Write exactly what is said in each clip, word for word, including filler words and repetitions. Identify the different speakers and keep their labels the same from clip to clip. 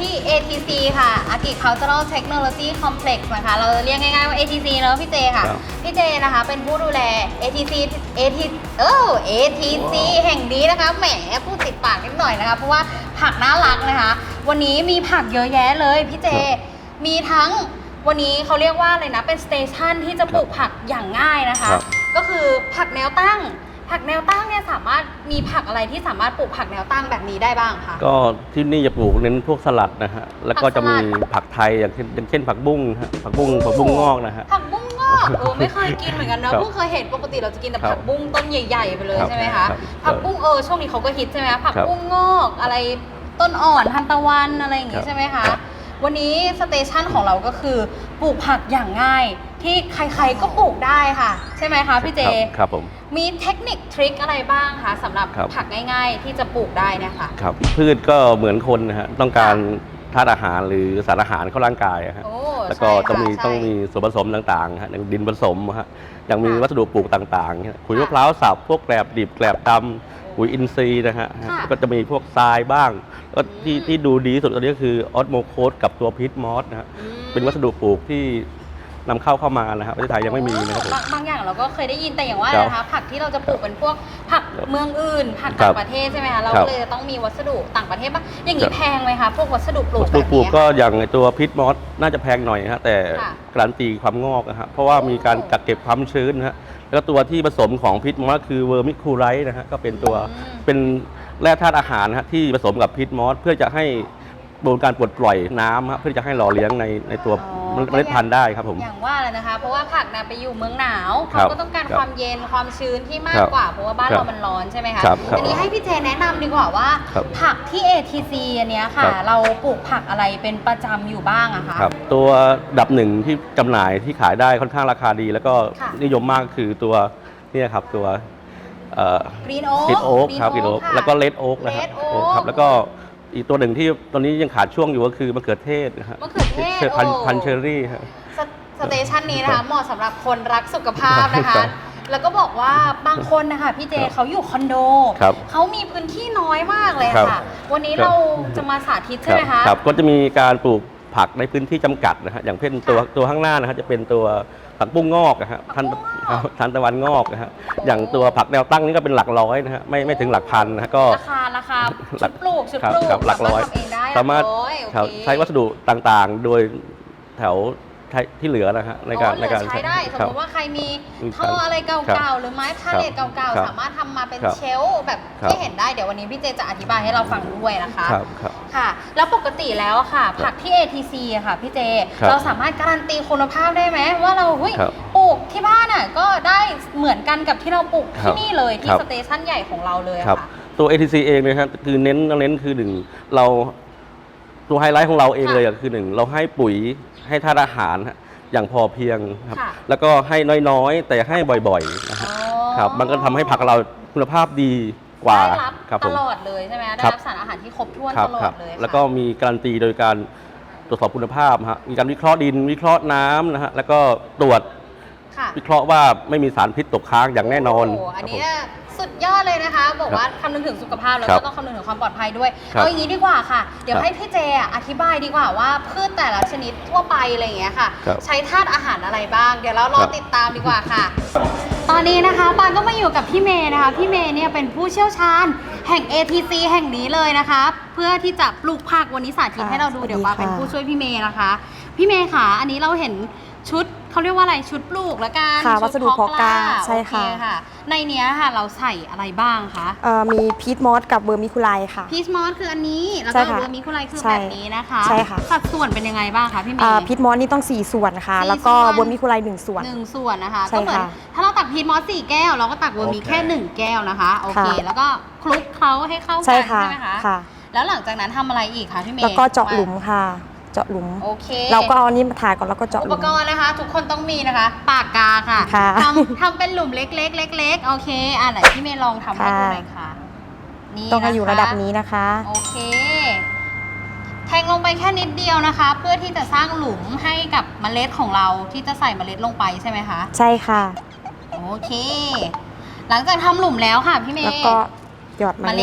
Speaker 1: ที่ เอ ที ซี ค่ะ Agricultural Technology Complex นะคะเราเรียกง่ายๆว่า เอ ที ซี เนอะพี่เจค่ะพี่เจนะคะเป็นผู้ดูแล เอ ที ซี เอ ที เออ เอ ที ซี แห่งนี้นะคะแหมพูดติดปากนิดหน่อยนะคะเพราะว่าผักน่ารักนะคะวันนี้มีผักเยอะแยะเลยพี่เจมีทั้งวันนี้เขาเรียกว่าอะไรนะเป็นสเตชันที่จะปลูกผักอย่างง่ายนะคะก็คือผักแนวตั้งผักแนวตั้งเนี่ยสามารถมีผักอะไรที่สามารถปลูกผักแนวตั้งแบบนี้ได้บ้างคะ
Speaker 2: ก็ที่นี่จะปลูกเน้นพวกสลัดนะฮะแล้วก็จะมีผักไทยอย่างเช่นอย่างเช่นผักบุ้งฮะผักบุ้งผักบุ้งงอกนะฮะ
Speaker 1: ผักบุ้งงอกเออไม่เคยกินเหมือนกันนะเพิ่งเคยเห็นปกติเราจะกินแต่ผักบุ้งต้นใหญ่ๆไปเลยใช่ไหมคะผักบุ้งเออช่วงนี้เขาก็ฮิตใช่ไหมผักบุ้งงอกอะไรต้นอ่อนทานตะวันอะไรอย่างงี้ใช่ไหมคะวันนี้สเตชันของเราก็คือปลูกผักอย่างง่ายที่ใครๆก็ปลูกได้ค่ะใช่ไหมคะพี่เจ
Speaker 2: ครับผม
Speaker 1: มีเทคนิคทริคอะไรบ้างคะสำหรับผักง่ายๆที่จะปลูกได้เนี่ยค่ะ
Speaker 2: ครับพืชก็เหมือนคนนะฮะต้องการธาตุอาหารหรือสารอาหารเข้าร่างกายฮะแล้วก็ต้องมีต้องมีส่วนผสมต่างๆฮะอย่างดินผสมฮะยังมีวัสดุปลูกต่างๆขุยมะพร้าวสับพวกแกลบดิบแกลบดำปุ๋ยอินทรีย์นะฮะก็จะมีพวกทรายบ้างก็ที่ที่ดูดีสุดตอนนี้ก็คือออสโมโคสกับตัวพิษมอสนะฮะเป็นวัสดุปลูกที่นำเข้าเข้ามานะครับประเทศไทยยังไม่มีนะครับ
Speaker 1: บางอย่างเราก็เคยได้ยินแต่อย่างว่านะคะผักที่เราจะปลูกเป็นพวกผักเมืองอื่นผักต่างประเทศใช่ไหมคะเราเลยต้องมีวัสดุต่างประเทศบ้างอย่างนี้แพงไหมคะพวกวัสดุปลูก
Speaker 2: วัสดุปลูกก็อย่างตัวพิษมอสน่าจะแพงหน่อยฮะแต่การันตีความงอกนะฮะเพราะว่ามีการกักเก็บความชื้นนะฮะแล้วตัวที่ผสมของพิษมอสคือเวอร์มิคูไรต์นะฮะก็เป็นตัวเป็นแร่ธาตุอาหารนะฮะที่ผสมกับพิษมอสเพื่อจะให้โดนการปลดปล่อยน้ำเพื่อจะให้หล่อเลี้ยงในในตัวเมล็ดพันธุ์ได้ครับผม
Speaker 1: อย่างว่าเลยนะคะเพราะว่าผักนะไปอยู่เมืองหนาวเขาก็ต้องการความเย็นความชื้นที่มากกว่าเพราะว่าบ้านเรามันร้อนใช่ไหมคะอันนี้ให้พี่เจแนะนำดีกว่าว่าผักที่ เอ ที ซี อันนี้ค่ะเราปลูกผักอะไรเป็นประจำอยู่บ้างอะคะ
Speaker 2: ตัวดับหนึ่งที่จำหน่ายที่ขายได้ค่อนข้างราคาดีแล้วก็นิยมมากคือตัวนี่ครับตัว
Speaker 1: กรีนโอ๊ก
Speaker 2: กรีนโอ๊กครับกรีนโอ๊กแล้วก็เลดโอ๊กนะครับแล้วก็อีกตัวหนึ่งที่ตอนนี้ยังขาดช่วงอยู่ก็คือมะเขือเทศนะฮะ
Speaker 1: มะเขือเทศ
Speaker 2: พันเชอร์รี่ครับ
Speaker 1: สเตชันนี้นะคะเหมาะสำหรับคนรักสุขภาพนะคะแล้วก็บอกว่าบางคนนะคะพี่เจเขาอยู่คอนโดเขามีพื้นที่น้อยมากเลยค่ะวันนี้เราจะมาสาธิตใช่ไหมคะ
Speaker 2: ครับก็จะมีการปลูกผักในพื้นที่จำกัดนะฮะอย่างเช่นตัวตัวข้างหน้านะฮะจะเป็นตัวผักบุ้งงอกนะฮะทันทันตะวันงอกนะฮะอย่างตัวผักแนวตั้งนี่ก็เป็นหลักร้อยนะฮะไม่ไม่ถึงหลักพันนะฮะก็
Speaker 1: ราคาราคาชุดปลูกชุดปลูก
Speaker 2: หลักร้อยสามารถใช้วัสดุต่างๆโดยแถวที่เหลือนะฮะในการ
Speaker 1: ในการใช้ได้สมมติว่าใครมีท่ออะไรเก่าๆหรือไม้พาเลทเก่าๆสามารถทำมาเป็นเชลฟ์แบบที่เห็นได้เดี๋ยววันนี้พี่เจจะอธิบายให้เราฟังด้วยนะคะค่ะแล้วปกติแล้วค่ะผักที่ เอ ที ซี อะค่ะพี่เจเราสามารถการันตีคุณภาพได้ไหมว่าเราปลูกที่บ้านอ่ะก็ได้เหมือนกันกับที่เราปลูกที่นี่เลยที่สเตชันใหญ่ของเราเลยค่ะ
Speaker 2: ตัว เอ ที ซี เองนะครับคือเน้นเน้นคือหนึ่งเราตัวไฮไลท์ของเราเองเลยคือหนึ่งเราให้ปุ๋ยให้ธาตุอาหารอย่างพอเพียงครับแล้วก็ให้น้อยๆแต่ให้บ่อยๆนะครับครับมันก็ทำให้ผักเราคุณภาพดีกว่า
Speaker 1: ได้รับตลอดเลยใช่ไหมได้รับสารอาหารที่ครบถ้วนตลอดเลย
Speaker 2: แล้วก็มีการันตีโดยการตรวจสอบคุณภาพฮะมีการวิเคราะห์ดินวิเคราะห์น้ำนะฮะแล้วก็ตรวจวิเคราะห์ว่าไม่มีสารพิษตกค้างอย่างแน่นอน
Speaker 1: อันนี้สุดยอดเลยนะคะบอกว่าคำนึงถึงสุขภาพแล้วก็ต้องคำนึงถึงความปลอดภัยด้วยเอาอย่างนี้ดีกว่าค่ะเดี๋ยวให้พี่เจอธิบายดีกว่าว่าพืชแต่ละชนิดทั่วไปอะไรอย่างเงี้ยค่ะใช้ธาตุอาหารอะไรบ้างเดี๋ยวเรารอติดตามดีกว่าค่ะตอนนี้นะคะปานก็มาอยู่กับพี่เมย์นะคะพี่เมย์เนี่ยเป็นผู้เชี่ยวชาญแห่ง เอ ที ซี แห่งนี้เลยนะคะเพื่อที่จะปลูกผักวันนี้สาธิตให้เราดูเดี๋ยวปานเป็นผู้ช่วยพี่เมย์นะคะพี่เมย์ค่ะอันนี้เราเห็นชุดเขาเรียกว่าอะไรชุดปลูกแล้วกัน
Speaker 3: วัสดุเพาะกล้าใช่ค่ะ
Speaker 1: ในนี้ค่ะเราใส่อะไรบ้างคะ
Speaker 3: มีพีทมอสกับเวอร์มิคูไลค่ะ
Speaker 1: พีทมอสคืออันนี้แล้วก็เวอร์มิคูไลคือแบบนี้นะคะ
Speaker 3: ใช่ค่ะ
Speaker 1: สัดส่วนเป็นยังไงบ้างคะพี่เมย์
Speaker 3: พีทมอสนี่ต้องสี่ส่วนค่ะแล้วก็เวอร์มิคูไลหนึ่งส่วน
Speaker 1: หนึ่งส่วนนะคะก็เหมือนถ้าเราตักพีทมอสสี่แก้วเราก็ตักเวอร์มิแค่หนึ่งแก้วนะคะโอเคแล้วก็คลุกเคล้าให้เข้ากันใช่ไหมคะแล้วหลังจากนั้นทำอะไรอีกคะพี่เมย์
Speaker 3: แล้วก็เจาะหลุมค่ะเจาะหลุม
Speaker 1: โอเค
Speaker 3: เราก็เอานี่มาถ่ายก่อนแล้วก็เจาะหลุม
Speaker 1: อุปกรณ์นะคะทุกคนต้องมีนะคะปากกาค่ะทำทำเป็นหลุมเล็กๆเล็กๆโอเคอ่ะไหนพี่เมย์ลองทำให้ดูหน่อยค่ะ
Speaker 3: นี่ต้องให้อยู่ระดับนี้นะคะ
Speaker 1: โอเคแทงลงไปแค่นิดเดียวนะคะเพื่อที่จะสร้างหลุมให้กับเมล็ดของเราที่จะใส่เมล็ดลงไปใช่ไหมคะ
Speaker 3: ใช่ค่ะ
Speaker 1: โอเคหลังจากทำหลุมแล้วค่ะพี่เมย์
Speaker 3: แล้วก็หยอด
Speaker 1: เมล็ด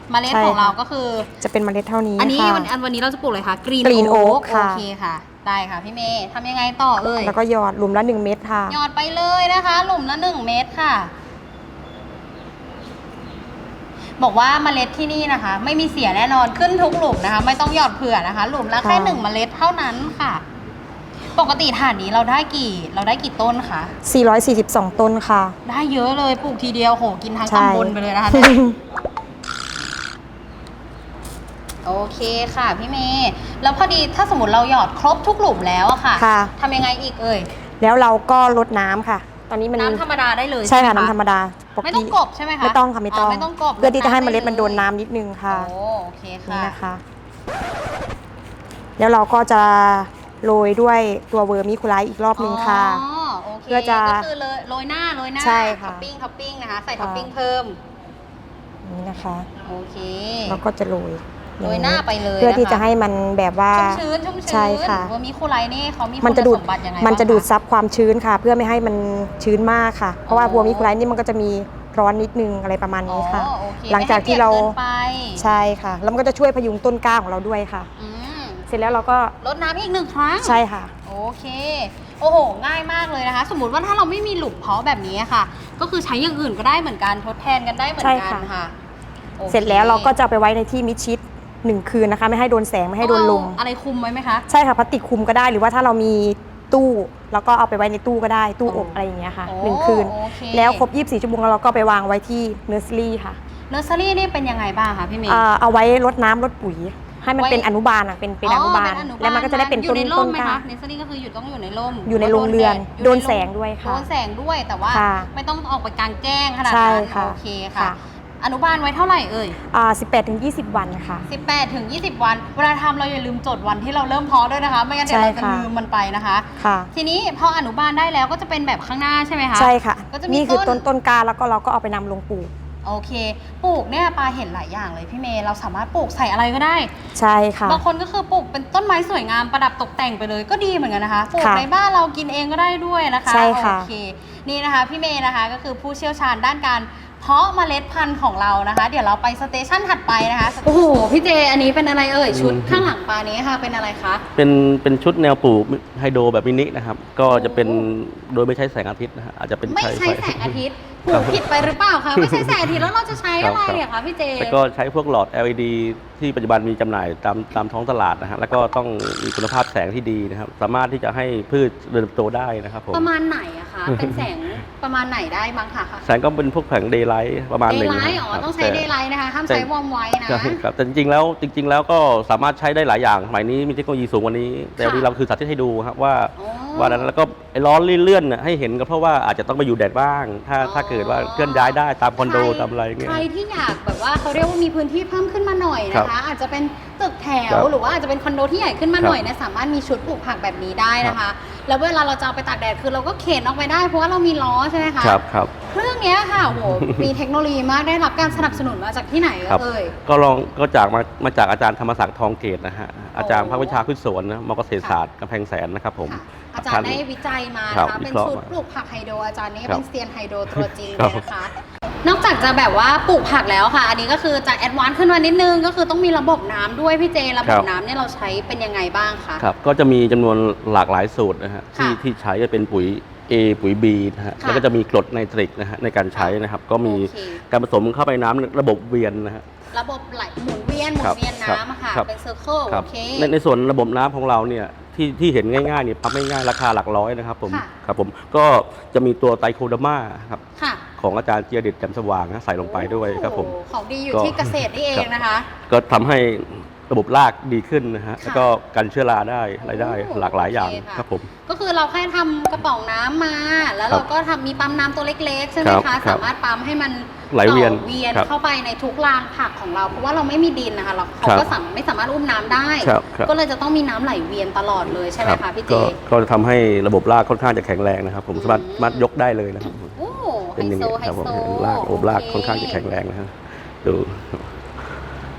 Speaker 1: เมล็ดของเราก็คือ
Speaker 3: จะเป็นเมล็ดเท่านี้
Speaker 1: อันนี้
Speaker 3: ค่ะ
Speaker 1: วันอันวันนี้เราจะปลูกเลยค่ะกรีน
Speaker 3: Green
Speaker 1: โอ๊
Speaker 3: Oak
Speaker 1: ก
Speaker 3: ค่ะ
Speaker 1: โอเคค่ะได้ค่ะพี่เมย์ทำยังไงต่อเอ่ย
Speaker 3: แล้วก็หยอดหลุมละหนึ่งเม็ดค่ะ
Speaker 1: หยอดไปเลยนะคะ หลุมละหนึ่งเม็ดค่ะ บอกว่าเมล็ดที่นี่นะคะ ไม่มีเสียแน่นอนขึ้นทุกหลุมนะคะ ไม่ต้องหยอดเผื่อนะคะ หลุมละแค่
Speaker 3: ค่ะ
Speaker 1: หนึ่งเมล็ดเท่านั้นค่ะ ปกติฐานนี้เราได้กี่เราได้กี่ต้นคะ
Speaker 3: สี่ร้อยสี่สิบสองต้นค่ะ
Speaker 1: ได้เยอะเลยปลูกทีเดียวโหกินทั้ง
Speaker 3: ใช่
Speaker 1: ตำบลไปเลยนะคะ โอเคค่ะพี่เมย์แล้วพอดีถ้าสมมติเราหยอดครบทุกหลุมแล้วอะค่ะ
Speaker 3: ค่ะ
Speaker 1: ทำยังไงอีกเอ่ย
Speaker 3: แล้วเราก็ลดน้ำค่ะ ตอนนี้มัน
Speaker 1: น้ำธรรมดาได้เลย
Speaker 3: ใช่ค่ะ
Speaker 1: ไหม
Speaker 3: น้ำธรรมดาปก
Speaker 1: ไม่
Speaker 3: ติ
Speaker 1: ต้องกบใช่ไหมคะ
Speaker 3: ไม่ต้องค่ะไม่ต้อง
Speaker 1: ไม่ต้องกบ
Speaker 3: เพื่อที่จะให้เมล็ด
Speaker 1: ำไ
Speaker 3: มันโดนน้ำนิดนึงค่ะ
Speaker 1: โอ้โอเค
Speaker 3: นี่
Speaker 1: ค่ะ
Speaker 3: นะคะ แล้วเราก็จะโรยด้วยตัวเวอร์มิคูไลท์อีกรอบนึงค่ะ
Speaker 1: อ๋อโอเค
Speaker 3: เพื่อจะ
Speaker 1: ก็คือเลยโรยหน้าโรยหน้า
Speaker 3: ใช่ค่ะ
Speaker 1: ท็อปปิ้งท็อปปิ้งนะคะใส่
Speaker 3: ค่ะ
Speaker 1: ท็อปปิ้งเพิ่ม
Speaker 3: นี่นะคะ
Speaker 1: โอเค
Speaker 3: เราก็จะโรย
Speaker 1: โรยหน้าไปเลย
Speaker 3: เพื่อที่
Speaker 1: นค
Speaker 3: จะให้มันแบบว่า
Speaker 1: ชุ่มชื้นชุ่มชื้น
Speaker 3: ใช่ค่ะ
Speaker 1: เวอร์มิคูไลท์นี่เขามี
Speaker 3: มันจะดูด
Speaker 1: คุณสมบัติยังไง
Speaker 3: มันจะ
Speaker 1: บ้างค
Speaker 3: ดูดซับความชื้นค่ะ เพื่อไม่ให้มันชื้นมากค่ะ เพราะว่า
Speaker 1: อ๋อ
Speaker 3: บัวมิคูไลท์นี่มันก็จะมีร้อนนิดนึงอะไรประมาณนี้ค่ะ
Speaker 1: อ๋อโอเค
Speaker 3: หลังจากที่เรา
Speaker 1: ไม่ให้ปียกกินไป
Speaker 3: ใช่ค่ะ แล้วมันก็จะช่วยพยุงต้นกล้าของเราด้วยค่ะ
Speaker 1: อืม
Speaker 3: เสร็จแล้วเราก็
Speaker 1: ลดน้ำอีกหนึ่งครั้ง
Speaker 3: ใช่ค่ะ
Speaker 1: โอเค โอ้โห ง่ายมากเลยนะคะ สมมุติว่าถ้าเราไม่มีหลุมเพาะแบบนี้ค่ะ ก็คือใช้อย่างอื่นก็ได้เหมือนกัน ทดแทนกันได้เหมือน
Speaker 3: ใช่
Speaker 1: กัน
Speaker 3: ค่ะ
Speaker 1: ค่ะโอค
Speaker 3: เสร็จแล้วเราก็จะเอาไปไว้ในที่มิดชิดหนึ่งคืนนะคะ ไม่ให้โดนแสงไม่ให้โดนลม
Speaker 1: เอาอะไรคุมไว้ไหมคะ
Speaker 3: ใช่ค่ะพลาสติกคลุมก็ได้หรือว่าถ้าเรามีตู้เราก็เอาไปไว้ในตู้ก็ได้ตู้อบ
Speaker 1: อ๋ออ
Speaker 3: อะไรอย่างเงี้ยค่ะ
Speaker 1: โอ้
Speaker 3: หนึ่งคืน
Speaker 1: โอเค
Speaker 3: แล้วครบยี่สิบสี่ชั่วโมงแล้วเราก็ไปวางไว้ที่เนอร์เซอรี่ค่ะ
Speaker 1: เนอร์เซอรี่นี่เป็นยังไงบ้างคะพี่เมย์
Speaker 3: อ่าเอาไว้รดน้ำรดปุ๋ย ให้มัน
Speaker 1: ไว้
Speaker 3: เป็นอนุบาลอ่ะเป็นเป็นอนุบาล
Speaker 1: เป็
Speaker 3: แล้วมันก็จะได้เป็น
Speaker 1: อ
Speaker 3: ต้
Speaker 1: ยู่
Speaker 3: น
Speaker 1: ในร่
Speaker 3: ต้
Speaker 1: ม
Speaker 3: น
Speaker 1: ไหม
Speaker 3: กล้า
Speaker 1: คะเนสเซอรี่ก็คืออยู่ต้องอยู่ในร่ม
Speaker 3: อยู่ในโรงเรือน
Speaker 1: ยู่
Speaker 3: โดน
Speaker 1: ใร่ม
Speaker 3: แสงด้วยค่ะ
Speaker 1: โดนแสงด้วยแต่ว่า
Speaker 3: ค่ะ
Speaker 1: ไม่ต้องออกไปกลางแจ้งขนาด
Speaker 3: ใช่
Speaker 1: นั้น
Speaker 3: ค่ะ
Speaker 1: โอเคค่ะ
Speaker 3: ค่ะ
Speaker 1: อนุบาลไว้เท่าไหร่เอ่ย
Speaker 3: อ่าสิบแปดถึงยี่สิบวันค่ะ
Speaker 1: สิบแปดถึงยี่สิบวัน เวลาทำเราอย่าลืมจดวันที่เราเริ่มเพาะด้วยนะคะ ไม่งั้นเดี๋ยวเรา
Speaker 3: ใช่
Speaker 1: จะ
Speaker 3: ค่ะ
Speaker 1: ลืมมันไปนะคะ
Speaker 3: ค่ะ
Speaker 1: ทีนี้พออนุบาลได้แล้วก็จะเป็นแบบข้างหน้าใช่ไหมคะ
Speaker 3: ใช่ค่ะ
Speaker 1: ก็จะมี
Speaker 3: นี่คือ
Speaker 1: ต้
Speaker 3: ต้
Speaker 1: น
Speaker 3: นต้นกล้าแล้วก็เราก็เอาไปนำลงปลูก
Speaker 1: โอเค ปลูกเนี่ยปาเห็นหลายอย่างเลยพี่เมย์ เราสามารถปลูกใส่อะไรก็ได้
Speaker 3: ใช่ค่ะ
Speaker 1: บางคนก็คือปลูกเป็นต้นไม้สวยงามประดับตกแต่งไปเลยก็ดีเหมือนกันนะคะ ปลูก
Speaker 3: ค่ะ
Speaker 1: ในบ้านเรากินเองก็ได้ด้วยนะคะ
Speaker 3: ใช่ค่ะ
Speaker 1: โอเค นี่นะคะพี่เมย์นะคะก็คือผู้เชี่ยวชาญด้านการเพาะเมล็ดพันธุ์ของเรานะคะ เดี๋ยวเราไปสเตชันถัดไปนะคะ โอ้โห พี่เจ อันนี้เป็นอะไรเอ่ย ชุดข้างหลังปานี้ค่ะ เป็นอะไรคะ
Speaker 2: เป็นเป็นชุดแนวปลูกไฮโดรแบบมินินะครับ ก็จะเป็นโดยไม่ใช้แสงอาทิตย์นะฮะอาจจะเป็น
Speaker 1: ไม่ใช้แสงอาทิตย์ปลูกผิดไปหรือเปล่าคะ ไม่ใช่แสงอาทิตย์แล้วเราจะใช้อะไรอะคะพี่เจ
Speaker 2: แล้วก็ใช้พวกหลอด แอล อี ดี ที่ปัจจุบันมีจำหน่ายตามตามท้องตลาดนะฮะแล้วก็ต้องมีคุณภาพแสงที่ดีนะครับ สามารถที่จะให้พืชเติบโตได้นะครับผม
Speaker 1: ประมาณไหนอะคะ เป็นแสงประมาณไหนได้บ้างคะ
Speaker 2: แสงก็เป็นพวกแผงเดย์ไลท์ประมาณ
Speaker 1: เด
Speaker 2: หนึ่
Speaker 1: ย์
Speaker 2: ง
Speaker 1: ไล
Speaker 2: นะ
Speaker 1: ท์อ๋อ
Speaker 2: ครับ
Speaker 1: ต้องใช้
Speaker 2: แต่
Speaker 1: เดย์ไลท์นะคะ ห้าม
Speaker 2: แต่
Speaker 1: ใช้วอร์มไว้นะ
Speaker 2: ใช่ครับแต่จริงๆแล้วจริง ๆ แล้วก็สามารถใช้ได้หลายอย่างสมัยนี้มีเทคโนโลยีสูงกว่านี้ แต่วันนี้เราคือสาธิตให้ดูครับว่า
Speaker 1: อ๋อ
Speaker 2: ว่านั้นแล้วก็ไอ้ล้อเลื่อนๆน่ะให้เห็นก็เพราะว่าอาจจะต้องไปอยู่แดดบ้าง ถ้า
Speaker 1: อ๋อ
Speaker 2: ถ้าเกิดว่าเคลื่อนย้ายได้ตามคอนโด
Speaker 1: ใค
Speaker 2: ตามอะไรเงี้ย
Speaker 1: ใครที่อยากแบบว่าเขาเรียกว่ามีพื้นที่เพิ่มขึ้นมาหน่อย
Speaker 2: ครั
Speaker 1: นะคะ
Speaker 2: บ
Speaker 1: อาจจะเป็นตึกแถ
Speaker 2: ครั
Speaker 1: ว
Speaker 2: บ
Speaker 1: หรือว่าอาจจะเป็นคอนโดที่ใหญ่ขึ้นมา
Speaker 2: ครับ
Speaker 1: หน่อยเนี่ยสามารถมีชุดปลูกผักแบบนี้ได้นะคะ แล้วเวลาเราจะเอาไปตากแดดคือเราก็เข็นออกไปได้เพราะว่าเรามีล้อใช่ไหมคะ
Speaker 2: ครับครับ
Speaker 1: เครื่องเนี้ยค่ะโห มีเทคโนโลยีมากได้รับการสนับสนุนมาจากที่ไหน
Speaker 2: ครับ
Speaker 1: เอ่ย
Speaker 2: ก็ลองก็จากมามาจากอาจารย์ธรรมศักดิ์ทองเกตนะฮะอาจารย์ภาควิชาพืชสวนนะมอเกษตรศาสตร์กำแพงแสนนะครับผม
Speaker 1: ค่ะอาจารย์ได้วิจัยมา
Speaker 2: ครั
Speaker 1: นะ
Speaker 2: บ
Speaker 1: คะ
Speaker 2: วิ
Speaker 1: เป็น
Speaker 2: เคราะห์
Speaker 1: ชุด
Speaker 2: มา
Speaker 1: ปลูกผักไฮโดรอาจารย์นี่
Speaker 2: ครับ
Speaker 1: เป็นเซียนไฮโดรตัวจริง
Speaker 2: ครั
Speaker 1: เล
Speaker 2: บ
Speaker 1: ยนะคะ นอกจากจะแบบว่าปลูกผักแล้วค่ะ อันนี้ก็คือจะแอดวานซ์ขึ้นมานิดนึงก็คือต้องมีระบบน้ำด้วยพี่เจระบบน้ำเนี่ยเราใช้เป็นยังไงบ้างคะ
Speaker 2: ครับก็จะมีจำนวนหลากหลายสูตรนะฮะที่
Speaker 1: ค่ะ
Speaker 2: ที่ใช้จะเป็นปุ๋ย A ปุ๋ย B นะฮะ
Speaker 1: ค่ะ
Speaker 2: แล้วก็จะมีกรดไนตริกนะฮะในการใช้นะครับ ก็มี
Speaker 1: โอเค
Speaker 2: การผสมเข้าไปน้ำระบบเวียนนะฮะ
Speaker 1: ระบบไหลหมุนเวียนหมุ
Speaker 2: ครั
Speaker 1: น
Speaker 2: บ
Speaker 1: เวียนน้ำอะค่ะ
Speaker 2: ครับ
Speaker 1: เป็นเซอร์เคิล
Speaker 2: ครั
Speaker 1: โอบ เค
Speaker 2: ในในส่วนระบบน้ำของเราเนี่ยที่ที่เห็นง่ายๆเนี่ยปั๊มง่ายๆราคาหลักร้อยนะครับผม
Speaker 1: ค่ะ
Speaker 2: ครับผมก็จะมีตัวไตรโคเดอร์มาครับ
Speaker 1: ค่ะ
Speaker 2: ของอาจารย์เจียเด็ดแจ่มสว่างนะใส่ลงไปด้วยครับผม
Speaker 1: โอ้โหของดีอยู่
Speaker 2: ก็
Speaker 1: ที่เกษตรนี่เองนะคะ
Speaker 2: ก็ทำให้ระบบรากดีขึ้นนะฮะ
Speaker 1: ค่ะ
Speaker 2: แล้วก็กันเชื้อราได้อะไรได้
Speaker 1: โอ้
Speaker 2: หลากหลายอย่าง
Speaker 1: โอเคค่ะ
Speaker 2: ครับผม
Speaker 1: ก็คือเราแค่ทำกระป๋องน้ำมา แล้ว
Speaker 2: ครั
Speaker 1: เรา
Speaker 2: บ
Speaker 1: ก็ทำมีปั๊มน้ำตัวเล็กๆ ใช่ไหม
Speaker 2: ครั
Speaker 1: คะ
Speaker 2: บครับ
Speaker 1: สามารถปั๊มให้มัน
Speaker 2: ไหลเวียน
Speaker 1: ต่อเวียน
Speaker 2: ครับ
Speaker 1: เข้าไปในทุกรางผักของเรา เพราะว่าเราไม่มีดินนะคะเราเขา
Speaker 2: ครับ
Speaker 1: ก็สามไม่สามารถอุ้มน้ำได้
Speaker 2: ครับครับ
Speaker 1: ก็เลยจะต้องมีน้ำไหลเวียนตลอดเลยใช่ไหม
Speaker 2: รั
Speaker 1: คะ
Speaker 2: บ
Speaker 1: พี่เจ
Speaker 2: ก็ก็จะทำให้ระบบรากค่อนข้างจะแข็งแรงนะครับ ผม
Speaker 1: อืม
Speaker 2: สามารถสามารถยกได้เลยนะครับ
Speaker 1: โอ้ไฮ
Speaker 2: เป็นอย่าง
Speaker 1: โซ
Speaker 2: นี้
Speaker 1: ไฮ
Speaker 2: ครับผม
Speaker 1: โซ
Speaker 2: รากระบบราก
Speaker 1: โ
Speaker 2: ค่อนข้างจะแข็งแรงนะฮะดู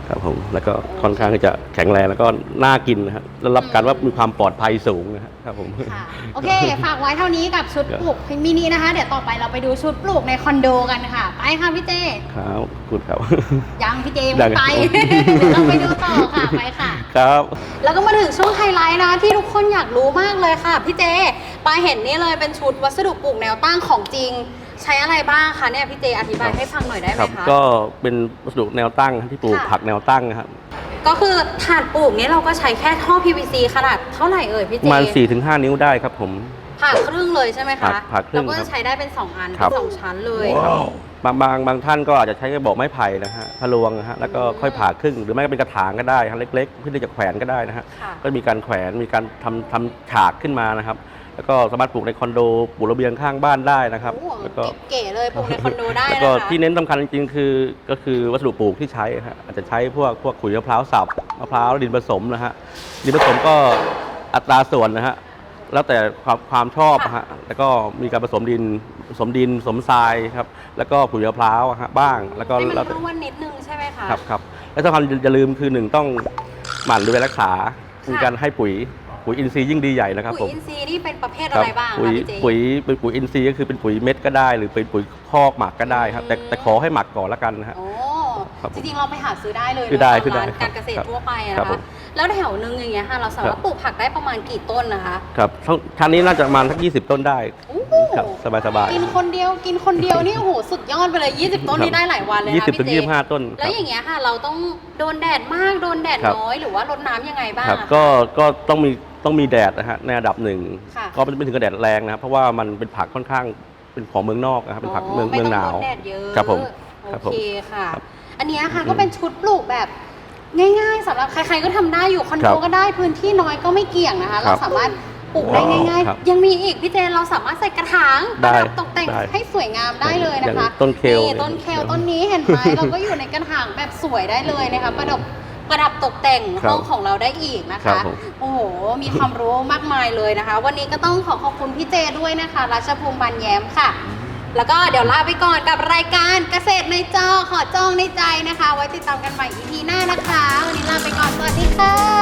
Speaker 2: ครับผมแล้วก็ค่อนข้างที่จะแข็งแรงแล้วก็น่ากินนะครับแล้วรับการว่ามีความปลอดภัยสูงนะครับผม
Speaker 1: ค่ะโอเคฝากไว้เท่านี้กับชุดปลูกมินินะคะเดี๋ยวต่อไปเราไปดูชุดปลูกในคอนโดกันค่ะไปค่ะพี่เจ
Speaker 2: ครับคุณครับ
Speaker 1: ยังพี่เจยังไม่ไป เดี๋ยวเราไปดูต่อค่ะไปค่ะ
Speaker 2: ครับ
Speaker 1: แล้วก็มาถึงช่วงไฮไลท์นะที่ทุกคนอยากรู้มากเลยค่ะพี่เจปาเห็นนี่เลยเป็นชุดวัสดุปลูกแนวตั้งของจริงใช้อะไรบ้างคะเนี่ยพี่เจอธิบายให้ฟังหน่อยได้ไหม
Speaker 2: ครับ
Speaker 1: คะ
Speaker 2: ก็เป็นวัสดุแนวตั้งที่ปลูก
Speaker 1: ค่ะ
Speaker 2: ผักแนวตั้งนะครับ
Speaker 1: ก็คือถาดปลูกนี้เราก็ใช้แค่ท่อ พี วี ซี ขนาดเท่าไหร่เอ่ยพี่
Speaker 2: ป
Speaker 1: เจ
Speaker 2: ระมาณ สี่ถึงห้า นิ้วได้ครับผม
Speaker 1: ผ่าครึ่งเลยใช่ไหม
Speaker 2: ผ่า
Speaker 1: คะ
Speaker 2: ผ่าครึ่ง
Speaker 1: แล้วก็
Speaker 2: ครั
Speaker 1: จะ
Speaker 2: บ
Speaker 1: ใช้ได้เป็นสองอัน
Speaker 2: ครับ
Speaker 1: เป็นสองชั้นเลย
Speaker 2: บางบางบางท่านก็อาจจะใช้กระบอกไม้ไผ่นะฮะทะลวงนะฮะแล้วก็ค่อยผ่าครึ่งหรือไม่ก็เป็นกระถางก็ได้ฮะเล็กๆเพื่อที่จะแขวนก็ได้นะฮะ
Speaker 1: ค่ะ
Speaker 2: ก็มีการแขวนมีการทำทำฉากขึ้นมานะครับแล้วก็สามารถปลูกในคอนโดปลูกระเบียงข้างบ้านได้นะครับ
Speaker 1: โอ้โห
Speaker 2: แล้วก็
Speaker 1: เก๋ๆเลยปลูกในคอนโดได้
Speaker 2: แล้ว
Speaker 1: นะ
Speaker 2: ก็
Speaker 1: คะ
Speaker 2: ที่เน้นสำคัญจริงๆคือก็คือวัสดุปลูกที่ใช้ฮะอาจจะใช้พวกพวกขุยมะพร้าวสับมะพร้าวดินผสมนะฮะดินผสมก็อัตราส่วนนะฮะแล้วแต่ความความชอบฮะแล้วก็มีการผสมดินผสมดินผสมทรายครับแล้วก็ขุยมะพร้าวฮะบ้างแล้วก็
Speaker 1: ให้มัน
Speaker 2: แล้วแต่
Speaker 1: ร่วนนิดนึงใช่ไหมคะ
Speaker 2: ครับครับและสำคัญอย่าลืมคือหนึ่งต้องหมั่นดูแลรักษามีการให้ปุ๋ยปุ๋ยอินทรีย์ยิ่งดีใหญ่นะครับผ
Speaker 1: ปุ๋ย
Speaker 2: ม
Speaker 1: อินทรีย์นี่เป็นประเภท
Speaker 2: ค
Speaker 1: อะ
Speaker 2: รับ
Speaker 1: ไรบ้าง
Speaker 2: ปุ๋ย
Speaker 1: คะพี่เจ
Speaker 2: ปุ๋ยเป็นปุ๋ยอินทรีย์ก็คือเป็นปุ๋ยเม็ดก็ได้ หรือเป็นปุ๋ยคอกหมักก็ได้ครับแต่แต่ขอให้หมักก่อนละกันนะฮะ
Speaker 1: โอ้
Speaker 2: ครับผม
Speaker 1: จริงๆเราไปหาซื้อได้เลย
Speaker 2: ซื้อได้
Speaker 1: เนอะ
Speaker 2: ซื้อได้
Speaker 1: ตามร้านการเกษตร
Speaker 2: ครับ
Speaker 1: ทั่วไปอะ
Speaker 2: ครั
Speaker 1: นะ
Speaker 2: บผ
Speaker 1: คะ
Speaker 2: ม
Speaker 1: แล้วแถวนึงอย่างเงี้ยค่ะเราสามาร
Speaker 2: ครั
Speaker 1: ถ
Speaker 2: บ
Speaker 1: ปลูกผักได้ประมาณกี่ต้นนะคะ
Speaker 2: ครับทั้งทางนี้น่าจะประมาณสักยี่สิบต้นได้
Speaker 1: โอ้โห
Speaker 2: ครับสบายๆ
Speaker 1: กินคนเดียวกินคนเดียวนี่โอ้โหสุดยอดไปเลยยี่สิบต้น
Speaker 2: ครับ
Speaker 1: นี่ได้หลายวันเลย
Speaker 2: ยี่
Speaker 1: นะ
Speaker 2: สิบถึ
Speaker 1: พี่
Speaker 2: ง
Speaker 1: เจ
Speaker 2: ยี่สิบห้าต้นค
Speaker 1: แล้
Speaker 2: รั
Speaker 1: ว
Speaker 2: บ
Speaker 1: อย่างเงี้ยค่ะ เราต้องโดนแดดมากโดนแดด
Speaker 2: ครับ
Speaker 1: น้อยหรือว่ารดน้ำยังไงบ้าง
Speaker 2: ครับ
Speaker 1: อะ
Speaker 2: ก็ก็ต้องมีต้องมีแดดนะฮะในระดับหนึ่ง
Speaker 1: ค่ะ
Speaker 2: ก็ไม่ถึงกับแดดแรงนะครับเพราะว่ามันเป็นผักค่อนข้างเป็นของเมืองนอกนะครับเป็นผักเมืองเมืองหนาว
Speaker 1: ไม่ต้โดแดดเยอะ
Speaker 2: ครับผมค
Speaker 1: โอ
Speaker 2: รับผม
Speaker 1: เคค่ะ
Speaker 2: ครับ
Speaker 1: อันเนี้ยค่ะ
Speaker 2: อืม
Speaker 1: ก็เป็นชุดปลูกแบบง่ายๆสำหรับใครๆก็ทำได้อยู่คอน
Speaker 2: ครั
Speaker 1: โด
Speaker 2: บ
Speaker 1: ก็ได้พื้นที่น้อยก็ไม่เกี่ยงนะคะ
Speaker 2: ครั
Speaker 1: เรา
Speaker 2: บ
Speaker 1: สามารถปลูกได้ง่าย
Speaker 2: ครับ
Speaker 1: ๆ ยังมีอีกพี่เจนเราสามารถใส่กระถางป
Speaker 2: ได้
Speaker 1: ระดับตกแต่ง
Speaker 2: ได้
Speaker 1: ให้สวยงามได้เลยนะคะ
Speaker 2: อย่างต้นเคล
Speaker 1: นี่ต้นเคลต้นนี้เห็นไหม เราก็อยู่ในกระถางแบบสวยได้เลยนะคะประดับประดับตกแต่ง
Speaker 2: ครับ
Speaker 1: ห้องของเราได้อีกนะ
Speaker 2: ครั
Speaker 1: คะ
Speaker 2: บผม
Speaker 1: โอ้โหมีความรู้มากมายเลยนะคะ วันนี้ก็ต้องขอขอบคุณพี่เจด้วยนะคะรัชภูมิบันแย้มค่ะ แล้วก็เดี๋ยวลาไปก่อนกับรายการเกษตรในจอขอจองในใจนะคะ ไว้ติดตามกันใหม่ อี พี หน้านะคะ วันนี้ลาไปก่อน สวัสดีค่ะ